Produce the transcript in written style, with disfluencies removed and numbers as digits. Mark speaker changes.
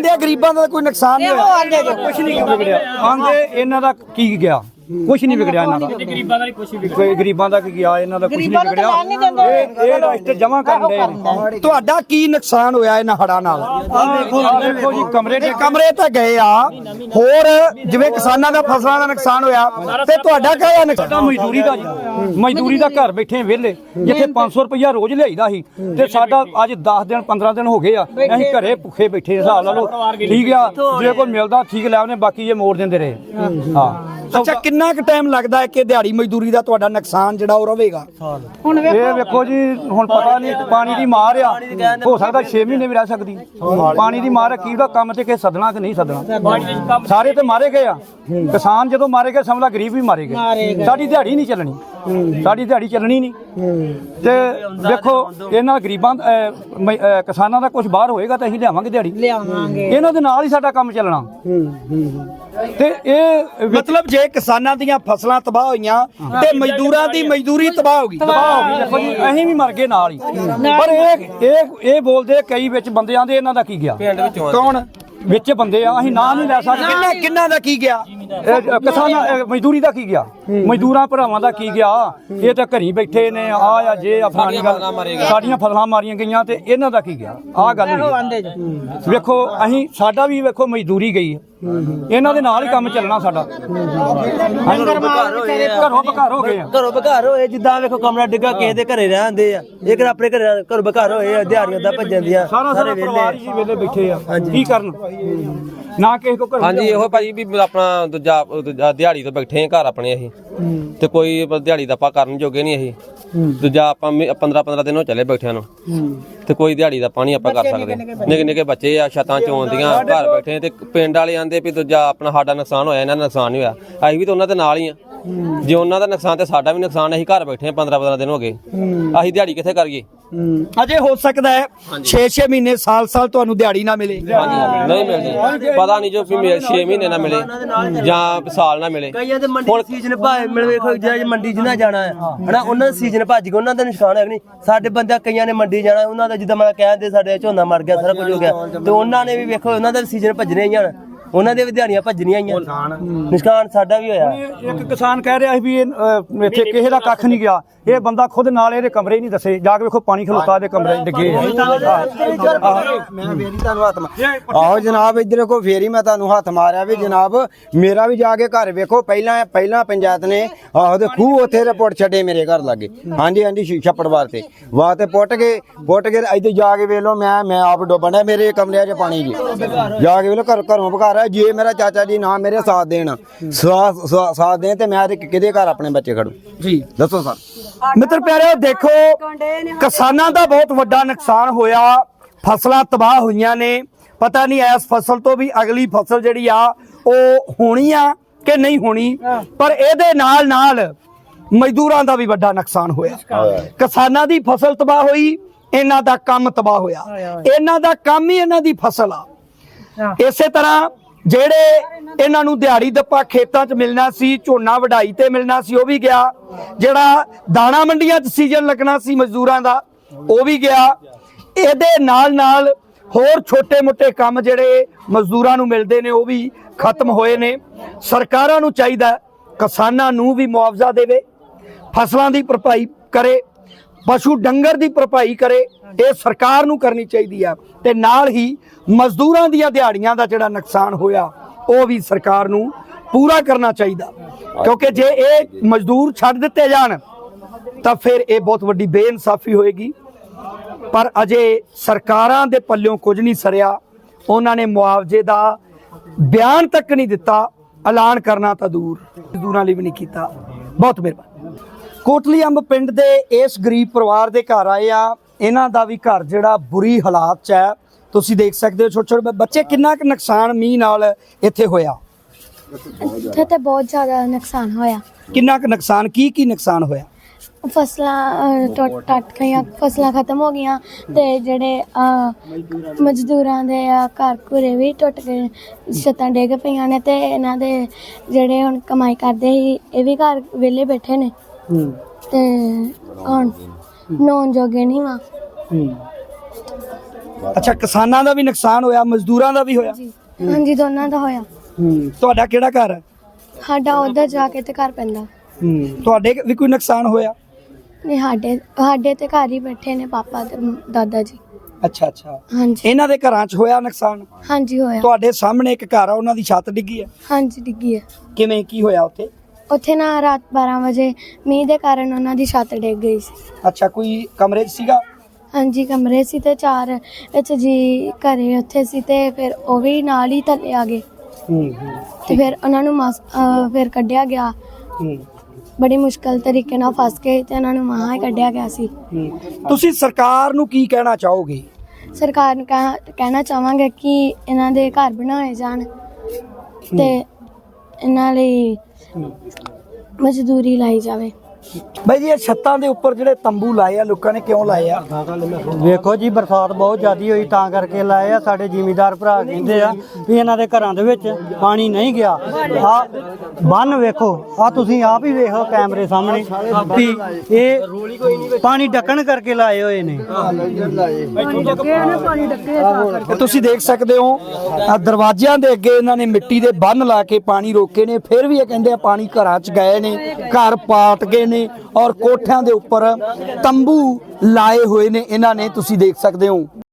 Speaker 1: ਕਹਿੰਦੇ ਆ ਗਰੀਬਾਂ ਦਾ ਕੋਈ ਨੁਕਸਾਨ ਨਹੀਂ ਹੋਇਆ,
Speaker 2: ਕੁਛ ਨਹੀਂ ਵਿਗੜਿਆ। ਆਂਦੇ ਇਹਨਾਂ ਦਾ ਕੀ ਗਿਆ, ਕੁਛ ਨਹੀਂ ਵਿਗੜਿਆ ਇਹਨਾਂ ਦਾ। ਗਰੀਬਾਂ ਦਾ ਕੁਛ ਵੀ ਵਿਗੜਿਆ, ਗਰੀਬਾਂ ਦਾ ਕੀ ਗਿਆ, ਇਹਨਾਂ ਦਾ ਕੁਛ ਨਹੀਂ ਵਿਗੜਿਆ। ਇਹ ਰਸਤੇ ਜਮਾ ਕਰਨ ਦੇ।
Speaker 1: ਤੁਹਾਡਾ ਕੀ ਨੁਕਸਾਨ ਹੋਇਆ ਇਹਨਾਂ ਹੜਾਂ ਨਾਲ?
Speaker 2: ਦੇਖੋ ਜੀ,
Speaker 1: ਕਮਰੇ ਤਾਂ ਗਏ ਆ, ਹੋਰ ਜਿਵੇਂ ਕਿਸਾਨਾਂ ਦਾ ਫਸਲਾਂ ਦਾ ਨੁਕਸਾਨ ਹੋਇਆ, ਤੇ ਤੁਹਾਡਾ ਕਿਹੜਾ ਨੁਕਸਾਨ?
Speaker 2: ਮਜ਼ਦੂਰੀ ਦਾ ਜੀ, ਮਜ਼ਦੂਰੀ ਦਾ ਘਰ ਬੈਠੇ ਵਿਹਲੇ, ਜਿੱਥੇ 500 ਰੁਪਇਆ ਰੋਜ਼ ਲਿਆਈਦਾ ਸੀ ਤੇ ਸਾਡਾ ਅੱਜ 10 ਦਿਨ 15 ਦਿਨ ਹੋ ਗਏ ਆ, ਅਸੀਂ ਘਰੇ ਭੁੱਖੇ ਬੈਠੇ। ਹਿਸਾਬ ਲਾ ਲਓ, ਠੀਕ ਆ, ਜੇ ਕੋਈ ਮਿਲਦਾ ਠੀਕ ਲੈ ਉਹਨੇ, ਬਾਕੀ ਇਹ ਮੋੜ ਦਿੰਦੇ ਰਹੇ। ਹਾਂ,
Speaker 1: ਅੱਛਾ, ਕਿੰਨਾ ਕੁ ਟਾਈਮ ਲੱਗਦਾ ਹੈ ਕਿ ਦਿਹਾੜੀ ਮਜ਼ਦੂਰੀ ਦਾ ਤੁਹਾਡਾ ਨੁਕਸਾਨ ਜਿਹੜਾ ਉਹ ਰਹੇਗਾ?
Speaker 2: ਇਹ ਵੇਖੋ ਜੀ, ਹੁਣ ਪਤਾ ਨਹੀਂ, ਪਾਣੀ ਦੀ ਮਾਰ ਆ, ਹੋ ਸਕਦਾ 6 ਮਹੀਨੇ ਵੀ ਰਹਿ ਸਕਦੀ। ਪਾਣੀ ਦੀ ਮਾਰ ਕੀ ਦਾ ਕੰਮ ਤੇ ਕਿ ਸਦਨਾ ਕਿ ਨਹੀਂ ਸਦਨਾ, ਸਾਰੇ ਤੇ ਮਾਰੇ ਗਏ ਆ। ਕਿਸਾਨ ਜਦੋਂ ਮਾਰੇ ਗਏ, ਸਮਝਦਾ ਗਰੀਬ ਵੀ ਮਾਰੇ ਗਏ। ਸਾਡੀ ਦਿਹਾੜੀ ਨਹੀਂ ਚੱਲਣੀ, ਸਾਡੀ ਦਿਹਾੜੀ ਚੱਲਣੀ ਨਹੀਂ। ਤੇ ਦੇਖੋ, ਇਹਨਾਂ ਗਰੀਬਾਂ ਕਿਸਾਨਾਂ ਦਾ ਕੁਝ ਬਾਹਰ ਹੋਏਗਾ ਤਾਂ ਅਸੀਂ ਲਿਆਵਾਂਗੇ ਦਿਹਾੜੀ, ਇਹਨਾਂ ਦੇ ਨਾਲ ਹੀ ਸਾਡਾ ਕੰਮ ਚੱਲਣਾ। ਤੇ ਇਹ
Speaker 1: ਮਤਲਬ ਜੇ ਕਿਸਾਨਾਂ ਦੀਆਂ ਫਸਲਾਂ ਤਬਾਹ ਹੋਈਆਂ ਤੇ ਮਜ਼ਦੂਰਾਂ ਦੀ ਮਜ਼ਦੂਰੀ ਤਬਾਹ ਹੋ ਗਈ।
Speaker 2: ਦੇਖੋ ਜੀ, ਅਸੀਂ ਵੀ ਮਰ ਗਏ ਨਾਲ ਹੀ। ਪਰ ਇਹ ਬੋਲਦੇ ਕਈ ਵਿੱਚ ਬੰਦਿਆਂ ਦੇ, ਇਹਨਾਂ ਦਾ ਕੀ ਗਿਆ?
Speaker 1: ਕੌਣ
Speaker 2: ਵਿੱਚ ਬੰਦੇ ਆ, ਅਸੀਂ ਨਾਂ ਨਹੀਂ ਲੈ ਸਕਦੇ।
Speaker 1: ਕਿੰਨਾ ਦਾ ਕੀ ਗਿਆ?
Speaker 2: ਕਿਸਾਨਾਂ ਮਜ਼ਦੂਰੀ ਦਾ ਕੀ ਗਿਆ? ਮਜ਼ਦੂਰਾਂ ਭਰਾਵਾਂ ਦਾ ਕੀ ਗਿਆ? ਇਹ ਤਾਂ ਘਰੀ ਬੈਠੇ ਨੇ, ਆ ਜੇ ਅਫਗਾਨੀ ਗੱਲ, ਸਾਡੀਆਂ ਫਸਲਾਂ ਮਾਰੀਆਂ ਗਈਆਂ ਤੇ ਇਹਨਾਂ ਦਾ ਕੀ ਗਿਆ? ਆਹ ਗੱਲ ਵੇਖੋ, ਅਸੀਂ ਸਾਡਾ ਵੀ ਵੇਖੋ ਮਜ਼ਦੂਰੀ ਗਈ ਹੈ, ਇਹਨਾਂ ਦੇ ਨਾਲ ਹੀ ਕੰਮ ਚੱਲਣਾ ਸਾਡਾ। ਘਰੋਂ ਬਘਾਰ ਹੋ ਗਏ ਆ,
Speaker 3: ਘਰੋਂ ਬਘਾਰ ਹੋਏ। ਜਿੱਦਾਂ ਵੇਖੋ ਕਮਰਾ ਡਿੱਗਾ, ਕਿਸੇ ਦੇ ਘਰੇ ਰਹਿੰਦੇ ਆ, ਇੱਕ ਆਪਣੇ ਘਰੋਂ ਬਘਾਰ ਹੋਏ, ਦਿਹਾੜੀਆਂ ਦਾ ਭੱਜਣ ਦੀਆਂ।
Speaker 2: ਸਾਰੇ ਪਰਿਵਾਰ ਹੀ ਵੇਲੇ ਬੈਠੇ ਆ, ਕੀ ਕਰਨ? ਨਾ ਕਿਸੇ ਕੋ ਘਰ।
Speaker 4: ਹਾਂਜੀ, ਇਹੋ ਭਾਜੀ ਵੀ ਆਪਣਾ ਦੂਜਾ ਦਿਹਾੜੀ ਤੋਂ ਬੈਠੇ ਆ ਘਰ ਆਪਣੇ ਅਸੀਂ, ਤੇ ਕੋਈ ਦਿਹਾੜੀ ਦਾ ਆਪਾਂ ਕਰਨ ਜੋਗੇ ਨਹੀਂ ਅਸੀਂ। ਦੂਜਾ ਆਪਾਂ 15-15 ਦਿਨ ਹੋ ਚੱਲੇ ਬੈਠਿਆਂ ਨੂੰ, ਤੇ ਕੋਈ ਦਿਹਾੜੀ ਦਾ ਪਾਣੀ ਆਪਾਂ ਕਰ ਸਕਦੇ। ਨਿੱਕੇ ਨਿੱਕੇ ਬੱਚੇ ਆ, ਛੱਤਾਂ ਚੋਂਦੀਆਂ, ਘਰ ਬੈਠੇ। ਤੇ ਪਿੰਡ ਵਾਲੇ ਆਂਦੇ ਵੀ ਦੂਜਾ ਆਪਣਾ ਸਾਡਾ ਨੁਕਸਾਨ ਹੋਇਆ, ਇਹਨਾਂ ਦਾ ਨੁਕਸਾਨ ਨਹੀਂ ਹੋਇਆ। ਅਸੀਂ ਵੀ ਤਾਂ ਉਹਨਾਂ ਦੇ ਨਾਲ ਹੀ ਆ, ਜੇ ਉਹਨਾਂ ਦਾ ਨੁਕਸਾਨ ਤੇ ਸਾਡਾ ਵੀ ਨੁਕਸਾਨ। ਅਸੀਂ ਘਰ ਬੈਠੇ 15-15 ਦਿਨ ਹੋ ਗਏ, ਅਸੀਂ ਦਿਹਾੜੀ ਕਿੱਥੇ ਕਰੀਏ?
Speaker 1: ਅਜੇ ਹੋ ਸਕਦਾ ਹੈ 6-6 ਮਹੀਨੇ ਸਾਲ ਤੁਹਾਨੂੰ ਦਿਹਾੜੀ ਨਾ ਮਿਲੇ।
Speaker 4: ਨਹੀਂ ਮਿਲਦੀ, ਪਤਾ ਨਹੀਂ ਜੋ 6 ਮਹੀਨੇ ਨਾ ਮਿਲੇ ਜਾਂ ਸਾਲ ਨਾ ਮਿਲੇ।
Speaker 3: ਕਈਆਂ ਦੇ ਮੰਡੀ ਸੀਜ਼ਨ ਭਾਵੇਂ ਮਿਲ ਵੇਖੋ, ਜਿਹੜਾ ਮੰਡੀ ਜਿੰਨਾ ਜਾਣਾ ਹੈ ਹਨਾ, ਉਹਨਾਂ ਦਾ ਸੀਜ਼ਨ ਭੱਜ ਗਿਆ, ਉਹਨਾਂ ਦਾ ਨੁਕਸਾਨ ਹੈ ਨਹੀਂ। ਸਾਡੇ ਬੰਦੇ ਕਈਆਂ ਨੇ ਮੰਡੀ ਜਾਣਾ, ਉਹਨਾਂ ਦਾ ਜਿੱਦਾਂ ਮੈਂ ਕਹਿੰਦੇ ਸਾਡੇ ਝੋਨਾ ਮਰ ਗਿਆ, ਸਾਰਾ ਕੁਝ ਹੋ ਗਿਆ, ਤੇ ਉਹਨਾਂ ਨੇ ਵੀ ਵੇਖੋ ਉਹਨਾਂ ਦਾ ਸੀਜ਼ਨ ਭੱਜਣੇ ਹੀ ਆ, ਉਹਨਾਂ ਦੇ ਵੀ ਦਿਹਾੜੀਆਂ ਭੱਜਣੀਆਂ ਹੀ ਆ। ਨੁਕਸਾਨ ਸਾਡਾ ਵੀ ਹੋਇਆ।
Speaker 2: ਇੱਕ ਕਿਸਾਨ ਕਹਿ ਰਿਹਾ ਵੀ ਇੱਥੇ ਕਿਸੇ ਦਾ ਕੱਖ ਨਹੀਂ ਗਿਆ। ਇਹ ਬੰਦਾ ਖੁਦ ਨਾਲ ਇਹਦੇ ਕਮਰੇ ਨਹੀਂ ਦੱਸੇ, ਜਾ ਕੇ ਵੇਖੋ ਪਾਣੀ ਖਲੋਤਾ ਦੇ ਕਮਰੇ ਡਿੱਗੇ।
Speaker 5: ਮੈਂ ਫੇਰੀ ਤੁਹਾਨੂੰ ਹੱਥ ਆਹੋ ਜਨਾਬ, ਇੱਧਰ ਕੋ ਫੇਰੀ ਮੈਂ ਤੁਹਾਨੂੰ ਹੱਥ ਮਾਰਿਆ ਵੀ ਜਨਾਬ, ਮੇਰਾ ਵੀ ਜਾ ਕੇ ਘਰ ਵੇਖੋ। ਪਹਿਲਾਂ ਪੰਚਾਇਤ ਨੇ ਆਹੋ ਤੇ ਖੂਹ ਉੱਥੇ ਰਿਪੋਰਟ ਛੱਡੇ ਮੇਰੇ ਘਰ ਲਾਗੇ। ਹਾਂਜੀ ਛੱਪੜ ਵਾਸਤੇ ਪੁੱਟ ਕੇ ਇੱਥੇ ਜਾ ਕੇ ਵੇਖ ਲਓ, ਮੈਂ ਆਪ ਡੁੱਬਣਾ, ਮੇਰੇ ਕਮਰਿਆਂ 'ਚ ਪਾਣੀ ਜੀ। ਜਾ ਕੇ ਵੇਖ ਲਓ, ਘਰੋਂ ਬਘਾਰ। ਜੇ ਮੇਰਾ ਚਾਚਾ ਜੀ ਨਾ ਮੇਰੇ ਸਾਥ ਦੇਣ ਤੇ ਮੈਂ ਕਿਹਦੇ ਘਰ ਆਪਣੇ ਬੱਚੇ ਖੜੂ ਜੀ? ਦੱਸੋ ਸਰ।
Speaker 1: ਮਿੱਤਰ ਪਿਆਰਿਓ, ਦੇਖੋ ਕਿਸਾਨਾਂ ਦਾ ਬਹੁਤ ਵੱਡਾ ਨੁਕਸਾਨ ਹੋਇਆ, ਫਸਲਾਂ ਤਬਾਹ ਹੋਈਆਂ ਨੇ। ਪਤਾ ਨਹੀਂ ਇਸ ਫਸਲ ਤੋਂ ਵੀ ਅਗਲੀ ਫਸਲ ਜਿਹੜੀ ਆ ਉਹ ਹੋਣੀ ਆ ਕਿ ਨਹੀਂ ਹੋਣੀ, ਪਰ ਇਹਦੇ ਨਾਲ ਮਜ਼ਦੂਰਾਂ ਦਾ ਵੀ ਵੱਡਾ ਨੁਕਸਾਨ ਹੋਇਆ। ਕਿਸਾਨਾਂ ਦੀ ਫਸਲ ਤਬਾਹ ਹੋਈ, ਇਹਨਾਂ ਦਾ ਕੰਮ ਤਬਾਹ ਹੋਇਆ। ਇਹਨਾਂ ਦਾ ਕੰਮ ਹੀ ਇਹਨਾਂ ਦੀ ਫਸਲ ਆ। ਇਸੇ ਤਰ੍ਹਾਂ ਜਿਹੜੇ ਇਹਨਾਂ ਨੂੰ ਦਿਹਾੜੀ ਦੱਪਾ ਖੇਤਾਂ 'ਚ ਮਿਲਣਾ ਸੀ, ਝੋਨਾ ਵਢਾਈ ਤੇ ਮਿਲਣਾ ਸੀ, ਉਹ ਵੀ ਗਿਆ। ਜਿਹੜਾ ਦਾਣਾ ਮੰਡੀਆਂ 'ਚ ਸੀਜ਼ਨ ਲੱਗਣਾ ਸੀ ਮਜ਼ਦੂਰਾਂ ਦਾ, ਉਹ ਵੀ ਗਿਆ। ਇਹਦੇ ਨਾਲ ਹੋਰ ਛੋਟੇ-ਮੋਟੇ ਕੰਮ ਜਿਹੜੇ ਮਜ਼ਦੂਰਾਂ ਨੂੰ ਮਿਲਦੇ ਨੇ, ਉਹ ਵੀ ਖਤਮ ਹੋਏ ਨੇ। ਸਰਕਾਰਾਂ ਨੂੰ ਚਾਹੀਦਾ ਕਿਸਾਨਾਂ ਨੂੰ ਵੀ ਮੁਆਵਜ਼ਾ ਦੇਵੇ, ਫਸਲਾਂ ਦੀ ਭਰਪਾਈ ਕਰੇ, ਪਸ਼ੂ ਡੰਗਰ ਦੀ ਭਰਪਾਈ ਕਰੇ। ਇਹ ਸਰਕਾਰ ਨੂੰ ਕਰਨੀ ਚਾਹੀਦੀ ਆ। ਤੇ ਨਾਲ ਹੀ ਮਜ਼ਦੂਰਾਂ ਦੀਆਂ ਦਿਹਾੜੀਆਂ ਦਾ ਜਿਹੜਾ ਨੁਕਸਾਨ ਹੋਇਆ, ਉਹ ਵੀ ਸਰਕਾਰ ਨੂੰ ਪੂਰਾ ਕਰਨਾ ਚਾਹੀਦਾ, ਕਿਉਂਕਿ ਜੇ ਇਹ ਮਜ਼ਦੂਰ ਛੱਡ ਦਿੱਤੇ ਜਾਣ ਤਾਂ ਫਿਰ ਇਹ ਬਹੁਤ ਵੱਡੀ ਬੇਇਨਸਾਫੀ ਹੋਏਗੀ। ਪਰ ਅਜੇ ਸਰਕਾਰਾਂ ਦੇ ਪੱਲਿਓਂ ਕੁਝ ਨਹੀਂ ਸਰਿਆ। ਉਹਨਾਂ ਨੇ ਮੁਆਵਜ਼ੇ ਦਾ ਬਿਆਨ ਤੱਕ ਨਹੀਂ ਦਿੱਤਾ, ਐਲਾਨ ਕਰਨਾ ਤਾਂ ਦੂਰ, ਮਜ਼ਦੂਰਾਂ ਲਈ ਵੀ ਨਹੀਂ ਕੀਤਾ। ਬਹੁਤ ਮਿਹਰਬਾਨੀ। ਕੋਟਲੀ ਅੰਬ ਪਿੰਡ ਦੇ ਇਸ ਗਰੀਬ ਪਰਿਵਾਰ ਦੇ ਘਰ ਆਏ ਆ। ਇਹਨਾਂ ਦਾ ਵੀ ਘਰ ਜਿਹੜਾ ਬੁਰੀ ਹਾਲਾਤ 'ਚ ਹੈ, ਤੁਸੀਂ ਦੇਖ ਸਕਦੇ ਹੋ। ਛੋਟੇ ਬੱਚੇ, ਕਿੰਨਾ ਕੁ ਨੁਕਸਾਨ ਮੀਂਹ ਨਾਲ ਇੱਥੇ ਹੋਇਆ?
Speaker 6: ਇੱਥੇ ਤੇ ਬਹੁਤ ਜ਼ਿਆਦਾ ਨੁਕਸਾਨ ਹੋਇਆ।
Speaker 1: ਕਿੰਨਾ ਕੁ ਨੁਕਸਾਨ, ਕੀ ਨੁਕਸਾਨ ਹੋਇਆ?
Speaker 6: ਫਸਲਾਂ ਟੁੱਟ ਗਈਆਂ, ਫਸਲਾਂ ਖਤਮ ਹੋ ਗਈਆਂ, ਤੇ ਜਿਹੜੇ ਮਜ਼ਦੂਰਾਂ ਦੇ ਘਰ ਘੁਰੇ ਵੀ ਟੁੱਟ ਗਏ, ਛੱਤਾਂ ਡਿੱਗ ਪਈਆਂ ਨੇ, ਤੇ ਇਹਨਾਂ ਦੇ ਜਿਹੜੇ ਹੁਣ ਕਮਾਈ ਕਰਦੇ ਸੀ ਇਹ ਵੀ ਘਰ ਵਿਹਲੇ ਬੈਠੇ ਨੇ, ਤੇ ਹੁਣ ਨੌਨ ਜੋਗੇ ਨਹੀਂ ਵਾ।
Speaker 1: ਅੱਛਾ, ਕਿਸਾਨਾਂ ਦਾ ਵੀ ਨੁਕਸਾਨ ਹੋਇਆ, ਮਜ਼ਦੂਰਾਂ ਦਾ ਵੀ ਹੋਇਆ।
Speaker 6: ਹਾਂਜੀ, ਦੋਨਾਂ ਦਾ ਹੋਇਆ।
Speaker 1: ਤੁਹਾਡਾ ਕਿਹੜਾ ਘਰ ਹੈ?
Speaker 6: ਸਾਡਾ ਉਧਰ ਜਾ ਕੇ ਤੇ ਘਰ ਪੈਂਦਾ।
Speaker 1: ਤੁਹਾਡੇ ਵੀ ਕੋਈ ਨੁਕਸਾਨ ਹੋਇਆ?
Speaker 6: ਨਹੀਂ, ਸਾਡੇ ਤੇ ਘਰ ਹੀ ਬੈਠੇ ਨੇ ਪਾਪਾ ਤੇ ਦਾਦਾ ਜੀ।
Speaker 1: ਅੱਛਾ ਅੱਛਾ,
Speaker 6: ਹਾਂਜੀ
Speaker 1: ਇਹਨਾਂ ਦੇ ਘਰਾਂ 'ਚ ਹੋਇਆ ਨੁਕਸਾਨ?
Speaker 6: ਹਾਂਜੀ ਹੋਇਆ।
Speaker 1: ਤੁਹਾਡੇ ਸਾਹਮਣੇ ਇੱਕ ਘਰ ਆ, ਉਹਨਾਂ ਦੀ ਛੱਤ ਡਿੱਗੀ ਹੈ।
Speaker 6: ਹਾਂਜੀ, ਡਿੱਗੀ ਹੈ।
Speaker 1: ਕਿਵੇਂ, ਕੀ ਹੋਇਆ ਉੱਥੇ?
Speaker 6: ਉੱਥੇ ਨਾ ਰਾਤ 12 ਵਜੇ ਮੀਂਹ ਦੇ ਕਾਰਨ ਉਹਨਾਂ ਦੀ ਛੱਤ ਡਿੱਗ ਗਈ ਸੀ।
Speaker 1: ਅੱਛਾ, ਕੋਈ ਕਮਰੇ 'ਚ ਸੀਗਾ?
Speaker 6: ਹਾਂਜੀ, ਕਮਰੇ ਸੀ ਤੇ 4 ਵਿੱਚ ਜੀ ਘਰੇ ਉੱਥੇ ਸੀ ਤੇ ਫਿਰ ਉਹ ਵੀ ਨਾਲ ਹੀ ਥੱਲੇ ਆ ਗਏ ਤੇ ਫਿਰ ਉਹਨਾਂ ਨੂੰ ਫਿਰ ਕੱਢਿਆ ਗਿਆ। ਬੜੀ ਮੁਸ਼ਕਲ ਤਰੀਕੇ ਨਾਲ ਫਸ ਕੇ ਤੇ ਉਹਨਾਂ ਨੂੰ ਮਹਾਂ ਹੀ ਕੱਢਿਆ ਗਿਆ ਸੀ।
Speaker 1: ਤੁਸੀਂ ਸਰਕਾਰ ਨੂੰ ਕੀ ਕਹਿਣਾ ਚਾਹੋਗੇ?
Speaker 6: ਸਰਕਾਰ ਨੂੰ ਕਹਿਣਾ ਚਾਹਾਂਗੇ ਕਿ ਇਹਨਾਂ ਦੇ ਘਰ ਬਣਾਏ ਜਾਣ ਤੇ ਇਹਨਾਂ ਲਈ ਮਜ਼ਦੂਰੀ ਲਾਈ ਜਾਵੇ।
Speaker 1: ਬਾਈ ਜੀ, ਇਹ ਛੱਤਾਂ ਦੇ ਉੱਪਰ ਜਿਹੜੇ ਤੰਬੂ ਲਾਏ ਆ ਲੋਕਾਂ ਨੇ, ਕਿਉਂ ਲਾਏ ਆ?
Speaker 7: ਵੇਖੋ ਜੀ, ਬਰਸਾਤ ਬਹੁਤ ਜ਼ਿਆਦੀ ਹੋਈ ਤਾਂ ਕਰਕੇ ਲਾਏ ਆ। ਸਾਡੇ ਜ਼ਿਮੀਂਦਾਰ ਭਰਾ ਕਹਿੰਦੇ ਆ ਵੀ ਇਹਨਾਂ ਦੇ ਘਰਾਂ ਦੇ ਵਿੱਚ ਪਾਣੀ ਨਹੀਂ ਗਿਆ। ਆ ਬੰਨ ਵੇਖੋ, ਆ ਤੁਸੀਂ ਆਪ ਹੀ ਵੇਖੋ ਕੈਮਰੇ ਸਾਹਮਣੇ ਵੀ ਇਹ ਪਾਣੀ ਢੱਕਣ ਕਰਕੇ ਲਾਏ ਹੋਏ ਨੇ।
Speaker 1: ਤੁਸੀਂ ਦੇਖ ਸਕਦੇ ਹੋ, ਆ ਦਰਵਾਜ਼ਿਆਂ ਦੇ ਅੱਗੇ ਇਹਨਾਂ ਨੇ ਮਿੱਟੀ ਦੇ ਬੰਨ ਲਾ ਕੇ ਪਾਣੀ ਰੋਕੇ ਨੇ, ਫਿਰ ਵੀ ਇਹ ਕਹਿੰਦੇ ਆ ਪਾਣੀ ਘਰਾਂ 'ਚ ਗਏ ਨੇ, ਘਰ ਪਾਟ ਗਏ ਨੇ ਔਰ ਕੋਠਿਆਂ ਦੇ ਉੱਪਰ ਤੰਬੂ ਲਾਏ ਹੋਏ ਨੇ ਇਹਨਾਂ ਨੇ, ਤੁਸੀਂ ਦੇਖ ਸਕਦੇ ਹੋ।